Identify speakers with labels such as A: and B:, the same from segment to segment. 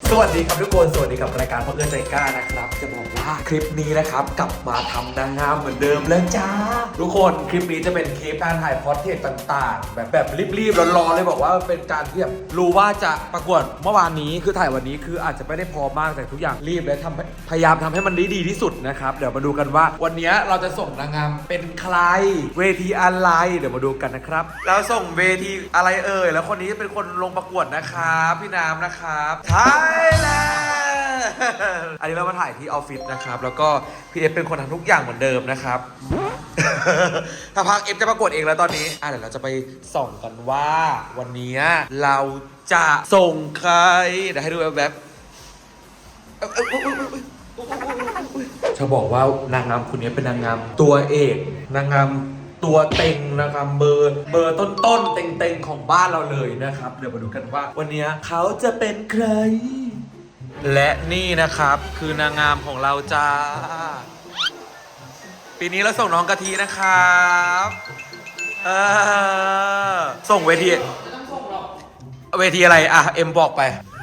A: สวัสดีครับทุกคนสวัสดีกับรายการพ่อเอื้อใจกล้านะครับจะบอกว่าคลิปนี้นะครับกลับมาทำนางงามเหมือนเดิมแล้วจ้าทุกคนคลิปนี้จะเป็นคลิปการถ่ายพอร์ตเทรตต่างๆแบบรีบๆร้อนๆเลยบอกว่าเป็นการที่แบบรู้ว่าจะประกวดเมื่อวานนี้คือถ่ายวันนี้คืออาจจะไม่ได้พร้อมมากแต่ทุกอย่างรีบและพยายามทำให้มันดีที่สุดนะครับเดี๋ยวมาดูกันว่าวันนี้เราจะส่งนางงามเป็นใครเวทีอะไรเดี๋ยวมาดูกันนะครับแล้วส่งเวทีอะไรเอ่ยแล้วคนนี้เป็นคนลงประกวดนะครับพี่น้ำนะครับไทยแลนด์อันนี้เรามาถ่ายที่ออฟฟิศนะครับแล้วก็พี่เอฟเป็นคนทำทุกอย่างเหมือนเดิมนะครับ ถ้าพักเอฟจะประกวดเองแล้วตอนนี้เดี๋ยวเราจะไปส่องกันว่าวันนี้เราจะส่งใครเดี๋ยวให้ดูแบบจะบอกว่านางงามคนนี้เป็นนางงามตัวเอกนางงามตัวเต็งนะครับเบอร์ต้นๆเต็งๆของบ้านเราเลยนะครับเดี๋ยวมาดูกันว่าวันนี้เขาจะเป็นใครและนี่นะครับคือนางงามของเราจ้าปีนี้เราส่งน้องกะทินะครับส่งเวทีเวทีอะไรเอ็มบอกไป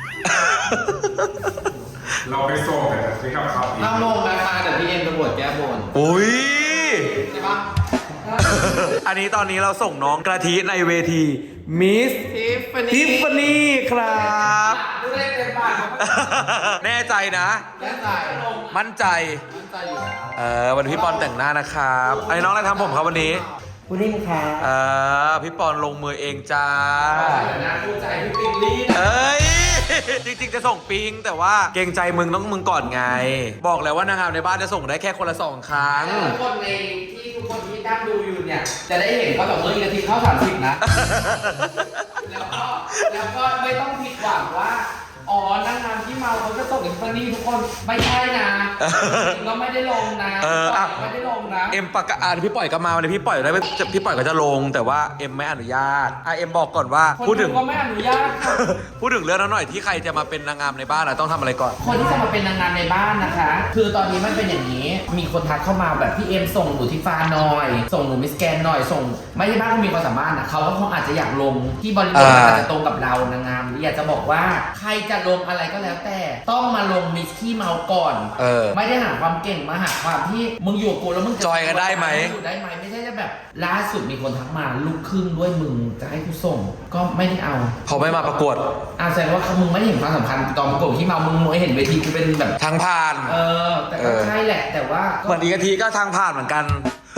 B: เราไปส่งแต่จะซื้อกับเขาอีก
C: ห้ามลงนะคะเดี๋ยวพี่เอ็มจะบวชแก้บน
A: อุ้ย
C: ใช่ปะ
A: อันนี้ตอนนี้เราส่งน้องกะทิในเวทีมิส ทิฟฟานี่ครับ
C: ดูได้เต็มปากครับ
A: แน่ใจนะ
C: แน่ใจ
A: มั่นใจ
C: มั่นใจอยู่แล้ว
A: วันนี้พี่ปอนแต่งหน้านะครับอันนี้น้องอะไรทำผมครับวันนี้
C: คุณนิ่มค่ะ
A: พี่ปอนลงมือเองจ้า
C: เดี๋ยวนะคู่ใจพี่ปิงลี่นะ
A: เอ้ย จริงๆจะส่งปิงแต่ว่าเกรงใจมึงต้องมึงก่อนไง บอกแล้วว่านางงามในบ้านจะส่งได้แค่คนละ2 ครั้ง
C: ทุกคนในที่ทุกคนที่นั่งดูอยู่เนี่ยจะได้เห็นว่าแบบเมื่อกี้ทีเข้า30นะ แล้วก็ไม่ต้องผิดหวังว่าอ๋อนางงามที่เมาเขาจะส่งอินฟานี่ทุกคนไม่ใช่นะจริงๆก็ไม่ได้ลงนะไม่ได้ลงนะ
A: เอ็มประกาศพี่ปล่อยก็มาวันนี้พี่ปล่อยได้พี่ปล่อยก็จะลงแต่ว่าเอ็มไม่อนุญาตเอ็มบอกก่อนว่า
C: คน
A: พูดถึง
C: ก็ไม่อนุญาตค่ะ
A: พูดถึงเรื่องนั้นหน่อยที่ใครจะมาเป็นนางงามในบ้านต้องทำอะไรก่อน
C: คนที่จะมาเป็นนางงามในบ้านนะคะ คือตอนนี้มันเป็นอย่างนี้ มีคนทักเข้ามาแบบพี่เอ็มส่งหนูทิฟาหน่อย ส่งหนูมิสแกนหน่อย ส่งไม่ใช่บ้านก็มีความสามารถนะเขาก็คงอาจจะอยากลงที่บริบทอาจจะตรงกับเรานางงามอยากจะบอกว่าใครจะลงอะไรก็แล้วแต่ต้องมาลงมิสขี้เมาก่อน ไม่ได้หาความเก่งมาหาความที่มึงอยู่กับกูแล้วมึง
A: จอยกันได้ไหม
C: อยู่ได้ไหมไม่ใช่จะแบบล่าสุดมีคนทักมาลูกครึ่งด้วยมึงจะให้กูส่ง ก็ไม่ได้เอา
A: เขาไม่มาประกวด
C: แสดงว่ามึงไม่ได้เห็นความสำคัญตอนประกวดที่เมามึงไม่เห็นเวทีกูเป็นแบบ
A: ทางผ่าน
C: แต่ก็ใช่แหละแต่ว่า
A: เหมือนดีกะทิก็ทางผ่านเหมือนกัน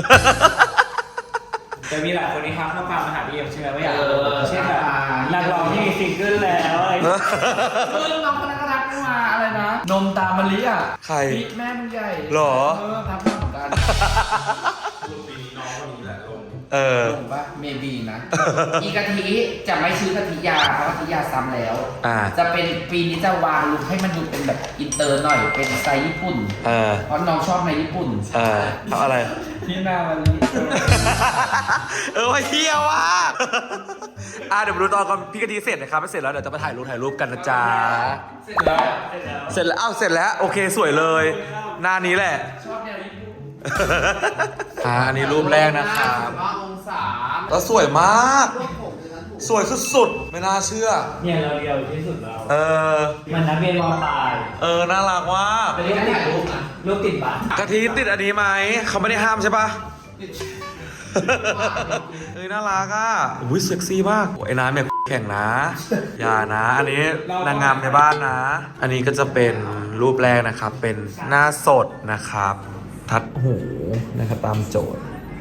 D: จะมีหลายคนที่ทักข้อความมาหาพี่เอ็มใช่ไหมว่าอยากเช่นแบบนักร้องที่มีซิงเกิลแล้วอะไร
C: น้องคนนั้นก็ทักมาอะไรนะ นมตามมะลิอ่ะ
A: ใคร
C: พี่แม่มึงใหญ่
A: หรอ
C: ทักมาเหมือนกัน
B: รุ่นปีนี้น้องคนนี้แหละลง
C: ลงว่าเมบีนะ อีกะทิจะไม่ชื่อกะทิยาเพราะกะทิยาซ้ำแล้ว จะเป็นปีนี้จะวางลุคให้มันดูเป็นแบบอินเตอร์หน่อยเป็นสไตล์ญี่ปุ่นเพราะน้องชอบในญี่ปุ่น
A: ทำอะไร
C: พี่แม่มะลิ
A: ว่าเฮียว่ะเดี๋ยวมาดูตอนก่อนพี่กะทิเสร็จนะครับไม่เสร็จแล้วเดี๋ยวจะมาถ่ายรูปกันนะจ๊ะ
C: เสร็จแล้ว
A: เสร็จแล้วเสร็จแล้วโอเคสวยเลยหน้านี้แหละ
C: ชอบแนวญี่ปุ่น
A: อันนี้รูปแรกนะครับ
C: องศา
A: แล้วสวยมาก สวยสุดๆไม่น่าเชื่อ
D: เนี่ยเราเดียวที่สุดเรา
A: มัน
D: นักเรียนมปลาย
A: น่ารักมาก
D: เป็นรูปติดรูปนะรูปติดบัตร
A: กะทิติดอันนี้ไหมเขาไม่ได้ห้ามใช่ปะน่ารักอุ้ยเซ็กซี่มากไอ้น้ำเนี่ยแข่งนะอย่านะอันนี้นางงามในบ้านนะ อันนี้ก็จะเป็นรูปแรกนะครับเป็นหน้าสดนะครับทัดหูนะครับตามโจทย์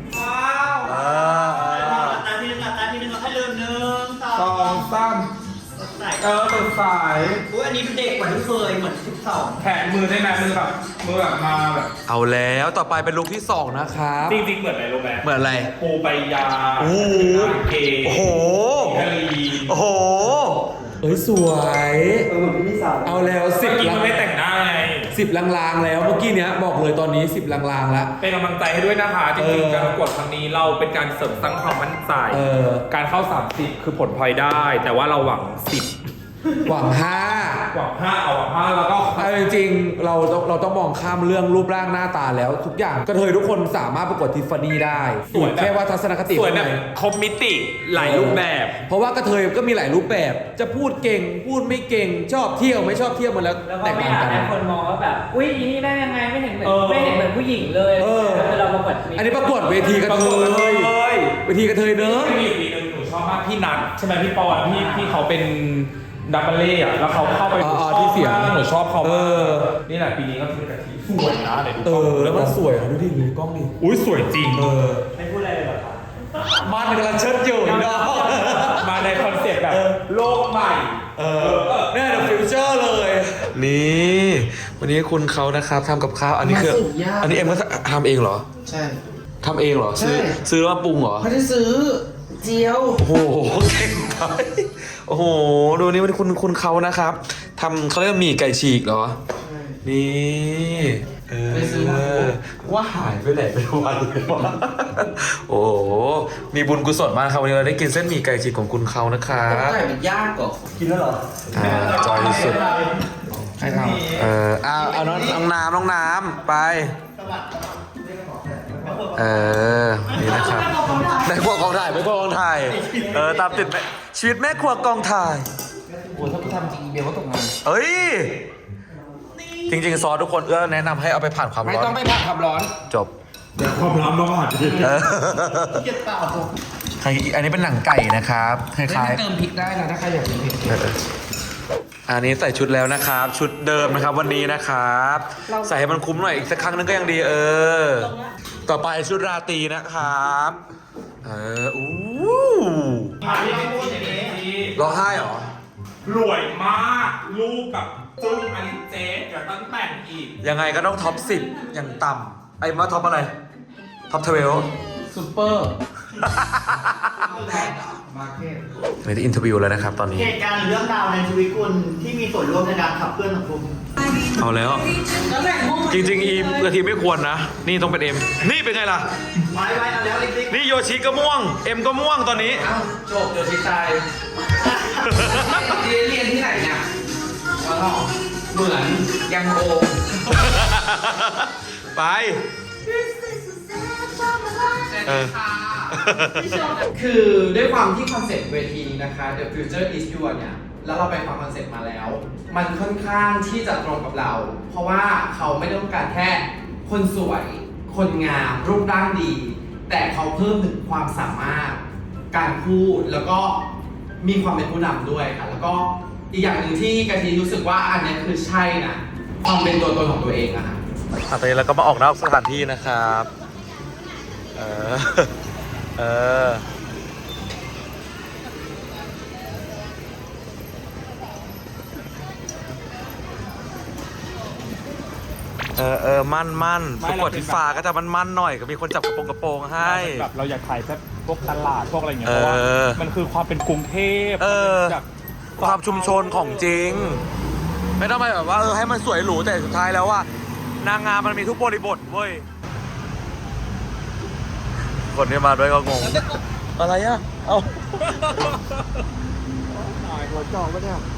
D: ตาที่หนึ่งเราให้ลืม1
B: สองสามสดใส
D: อุ้ยอันนี้เป็นเด็กกว่าที่เคยเหมือน12
B: แขนมือได้ไหมมือแบบมาแบบ
A: เอาแล้วต่อไปเป็นลุคที่2นะครับ
B: จริงๆเหมือนอะไรรู้ไหม
A: เหมือนอะไร
B: ปูไปยา
A: โอ้โห
B: เกย์
A: โอ้โห
B: กะลี
A: โอ้โหสวยเอาแล้ว
B: เมื่อกี้
A: 10
B: มันไม่แต่งหน้าไง
A: 10 ลางๆแล้วเมื่อกี้เนี้ยบอกเลยตอนนี้10 ลางๆแล้ว
B: เป็นกำลังใจให้ด้วยนะคะจริงๆการประกวดครั้งนี้เราเป็นการเสริมสร้างความมั่นใจการเข้า30คือผลพลอยได้ แต่ว่าเราหวัง10
A: หวัง
B: หวัง5เอาหวัง5แล้วก็
A: 5 จริงๆเราต้องมองข้ามเรื่องรูปร่างหน้าตาแล้วทุกอย่างกระเทยทุกคนสามารถประกวดทิฟฟานี่ได้
B: สวยแบบ
A: แค่ว่าทัศนคติ
B: สวย
A: ข้าง
B: แบ
A: ใน
B: บครบมิติหลายรูปแบบ
A: เพราะว่ากระเทยก็มีหลายรูปแบบ จะพูดเก่งพูดไม่เก่งชอบเที่ยวไม่ชอบเที่ยวมันแล้ว
D: แล้วก็
A: แตก
D: ไม่
A: ต่าง
D: อยาก
A: กัน
D: ให้คนมองว่าแบบอุ้ยอีนี่ได้ยังไงไม่เห็นเหมือนผู้หญิงเลย
A: เออ
D: เราประกวด
A: อันนี้ประกวดเวทีกระเทยเวทีกระเทยเนอะ
B: มีปีนึงหนูชอบมากพี่นัทใช่ไหมพี่ปอนพี่เขาเป็นดับเบิลเล่อะแล้วเขาเข้าไป
A: ที่เสียง
B: หนูชอบเขา
A: เอ
B: มาก
A: อ
B: นี่แหละปีนี้ก็คือกะทิสวยนะไหนดู
A: เอก
B: ล้อง
A: อแล้วมันสวยนะดูดิดูกล้องดิ
B: อุ้ยสวยจริง
D: ไม่พูดอะไรเลยเหรอครับ
A: มันกำลังเชิดอยู่เนาะ
B: มาในคอนเซ็ปต์แบบโลกใหม่
A: แน่เดอะฟิวเจอร์เลย นี่วันนี้คุณเขานะครับทำกับข้าวอันนี้คือ
C: มาสุกยาก
A: อันนี้เอ็มก็ทำเองเหรอ
C: ใช่
A: ทำเองเหรอ
C: ใช่
A: ซื้อแล้วมาปรุงเหรอ
C: ไม่ได้ซื้อเจียว
A: โอ้โหเก่งไปโอ้โหดูนี่มันคุณเขานะครับทำเขาเรียกว่าหมี่ไก่ฉีกเหรอนี่
C: ไปซื้อมา
A: ว่าหายไปไหนไปวันเลยวะโอ้โหมีบุญกุศลมากครับวันนี้เราได้กินเส้นหมี่ไก่ฉีกของคุณเขานะครับ
C: ไก่มันยากกว่า
D: กินแล้วเหรอ
A: จอยที่สุด
C: ใครทำ
A: เอาน้องน้ำไปนี่นะครับแม่ครัวกองถ่ายแม่ครัวกองถ่ายตามติดชีวิตแม่ครัวกองถ่าย
C: โอ้ถ้ากูทำจริงอีเบลก็ตกงาน
A: เอ้ยจริงๆซอสทุกคนแนะนำให้เอาไปผ่านความร้อน
C: ไม่ต้องไปผัดความร้อน
A: จบ
B: แต่ความร้อนต้องผ่าน
C: เก็บเปล่า
A: อันนี้เป็นหนังไก่นะครับค
C: ไม่
A: ล้าย
C: เติมพริกได้นะถ้าใครอยากกินพริก
A: ๆอันนี้ใส่ชุดแล้วนะครับ ชุดเดิมนะครับวันนี้นะครับ ใส่ให้มันคุ้มหน่อยอีกสักครั้งนึงก็ยังดีต่อไปชุดราตรีนะครับอู้ร้องไห้เหรอ
B: รวยมากลูกกับจุ้งอันนี้เจ๊เดี๋ยวต้องแต่งอีก
A: ยังไงก็ต้องท็อป10อย่างต่ำไอ้มาท็อปอะไรท็อป12
C: ซูเปอร์มาร์เก็ต
A: ไม่ได้อินเทอร์วิวแล้วนะครับตอนนี้
E: เหตุการณ์หรือเรื่องราวในชีวิตคุณที่มีส่วนร่วมในการขับเคลื่อนสังคม
A: เอาแล้ว จริงๆอีกะทิไม่ควรนะ นี่ต้องเป็นเอ็มนี่เป็นไงล่ะ
E: ไว้เอาแล้วลิก
A: นี่โยชิก็ม่วง เอ็มก็ม่วงตอนนี้
C: เอ้าจบโยชิตายเรียนที่ไหนเนี่ยว้าวเหมือนยังโอ
A: ไป
C: คือด้วยความที่คอนเซ็ปต์เวทีนี้นะคะ The Future is Yours เนี่ย แล้วเราไปฟังคอนเซ็ปต์มาแล้ว มันค่อนข้างที่จะตรงกับเรา เพราะว่าเขาไม่ต้องการแค่คนสวย คนงาม รูปร่างดี แต่เขาเพิ่มถึงความสามารถ การพูด แล้วก็มีความเป็นผู้นำด้วยค่ะ แล้วก็อีกอย่างหนึ่งที่กะทิรู้สึกว่าอันเนี้ยคือใช่นะ ความเป็นตัวตนของตัวเองอะค่ะ
A: ตอนนี้เราก็มาออกนอกสถานที่นะครับ มั่นประกวดที่ฟ้าก็จะมั่นหน่อยก็มีคนจับกระโปรงให้
B: แบบเราอยากถ่ายแบบพวกตลาดพวกอะไรอย่างเงี้ยเพราะว่ามันคือความเป็นกรุงเทพแบบ
A: ความชุมชนของจริง ไม่ต้องไปแบบว่าให้มันสวยหรูแต่สุดท้ายแล้วว่านางงามมันมีทุกบริบทเว้ย คนที่มาด้วยก็งง อะไรอ่ะ เอาถ่ายหัวจอกปะเนี่ย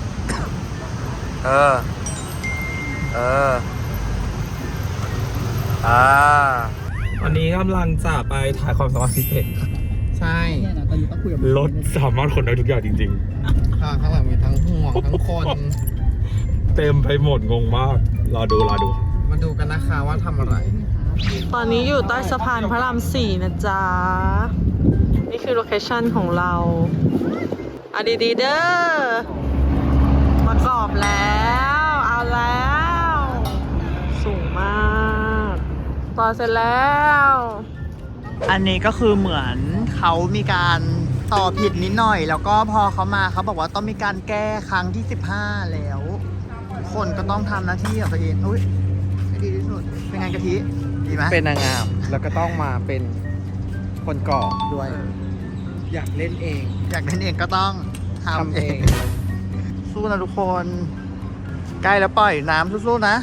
B: วันนี้กำลังจะไปถ่ายความสามารถพิเศษ
C: ใช่
B: รถสามารถขนได้ทุกอย่างจริง
C: ข้างหลังมีทั้งห่วงทั้งคน
B: ๆ เต็มไปหมดงงมาก รอดู
C: มาดูกันนะคะว่าทำอะไร
F: ตอนนี้อยู่ใต้สะพานพระราม 4 นะจ๊ะ นี่คือโลเคชั่นของเราเอาดีๆเด้อมากรอบแล้ว เอาแล้ว สูงมากต่อเสร็จแล้ว
E: อันนี้ก็คือเหมือนเขามีการต่อผิดนิดหน่อย แล้วก็พอเขามาเขาบอกว่าต้องมีการแก้ครั้งที่ 15 แล้วทุกคนก็ต้องทำหน้าที่ของตัวเองอุ้ยให้ดีที่สุดเป็นไงกะทิดีไหม
C: เป็นนางงามแล้วก็ต้องมาเป็นคนก่อด้วย อยากเล่นเอง
E: อยากเล่นเองก็ต้องทำ
C: ทำ
E: เอ
C: เอง ง
E: สู้นะทุกคน ใกล้แล้วปล่อยน้ำสู้ๆนะ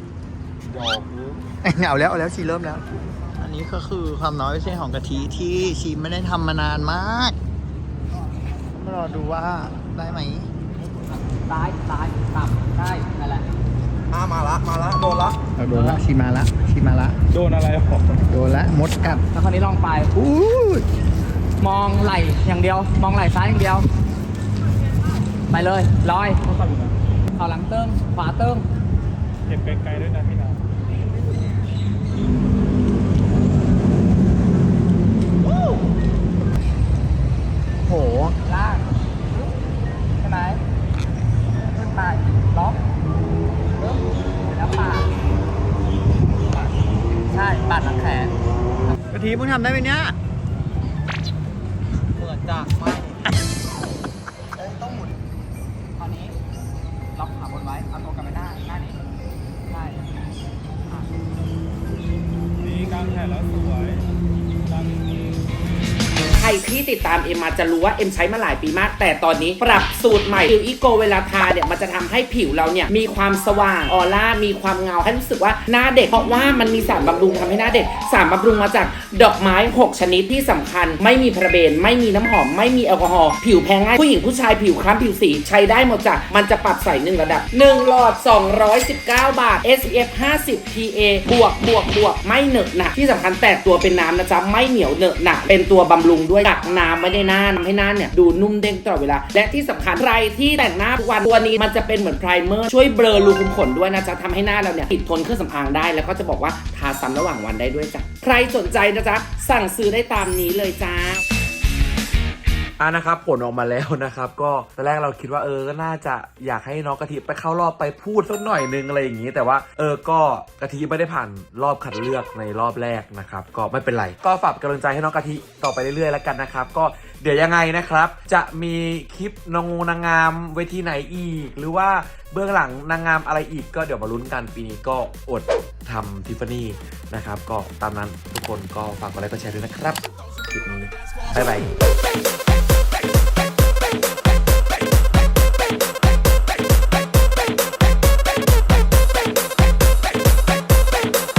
E: เอาแล้วชีเริ่มแล้ว อันนี้ก็คือความน้อยพิเศษของกะทิที่ชีไม่ได้ทำมานานมากมารอดูว่าได้ไหม
C: ตายต่ำได้นั่นแหละมาละ
A: ละมาละโดนละ
E: เราโดนละชีมาละชีมาละ
B: โดนอะไรหรอ
E: โดนละมดกัด
D: แล้วคราวนี้ลองไป
E: อู้
D: มองไหล่อย่างเดียว มองไหล่ซ้ายอย่างเดียว ไปเลยลอยเขาหลังเติ้งขวาเติ้ง
B: เก็บไกลๆด้วยนะพี่นา
E: โห
D: ลากใช่ไหมขึ้นไปล็อกปึ๊บแล้วปาดใช่ปาดหลังแขน
E: กะทิมึงทำได้ไหมเนี่ย
D: เหมือนจะไม่ต้องหมุนคราวนี้ล็อกขาบนไว้ เอาตัวกลับไปหน้านี้ใช่
B: ดีกลางแขนแล้วสวยกลางนี้
C: ใครที่ติดตามเอ็มมาจะรู้ว่าเอ็มใช้มาหลายปีมาก แต่ตอนนี้ปรับสูตรใหม่ผิวอีโกเวลาทาเนี่ยมันจะทำให้ผิวเราเนี่ยมีความสว่างออร่ามีความเงาให้รู้สึกว่าหน้าเด็กเพราะว่ามันมีสารบำรุงทำให้หน้าเด็กสารบำรุงมาจากดอกไม้6ชนิดที่สำคัญไม่มีพาราเบนไม่มีน้ำหอมไม่มีแอลกอฮอล์ผิวแพ้ง่ายผู้หญิงผู้ชายผิวคล้ำผิวสีใช้ได้หมดจ้ะมันจะปรับใส่1ระดับ1หลอด219 บาท SPF 50 PA บวกไม่เหนอะหนะที่สำคัญแตกตัวเป็นน้ำนะจ๊ะไม่เหนียวเหนอะหนะเป็นตัวบำรุงด้วยกักน้ำไม่ได้หน้าทำให้หน้าเนี่ยดูนุ่มเด้งตลอดเวลาและที่สำคัญใครที่แต่งหน้าทุกวันตัวนี้มันจะเป็นเหมือนไพรเมอร์ช่วยเบลอรูขุมขนด้วยนะจ๊ะทำให้หน้าเราเนี่ยติดทนเครื่องสำอางได้แล้วก็จะบอกว่าทาซ้ำระหว่างวันได้ด้วยจ้ะใครสนใจนะจ๊ะสั่งซื้อได้ตามนี้เลยจ้า
A: นะครับผลออกมาแล้วนะครับก็ตอนแรกเราคิดว่าก็น่าจะอยากให้น้องกะทิไปเข้ารอบไปพูดสักหน่อยนึงอะไรอย่างนี้แต่ว่าก็กะทิไม่ได้ผ่านรอบคัดเลือกในรอบแรกนะครับก็ไม่เป็นไรก็ฝากกำลังใจให้น้องกะทิต่อไปเรื่อยๆแล้วกันนะครับก็เดี๋ยวยังไงนะครับจะมีคลิปนางงามเวทีไหนอีกหรือว่าเบื้องหลังนางงามอะไรอีกก็เดี๋ยวมาลุ้นกันปีนี้ก็อดทำทิฟฟานี่นะครับก็ตามนั้นทุกคนก็ฝากกดไลค์กดแชร์ด้วยนะครับคลิปนี้บ๊ายบาย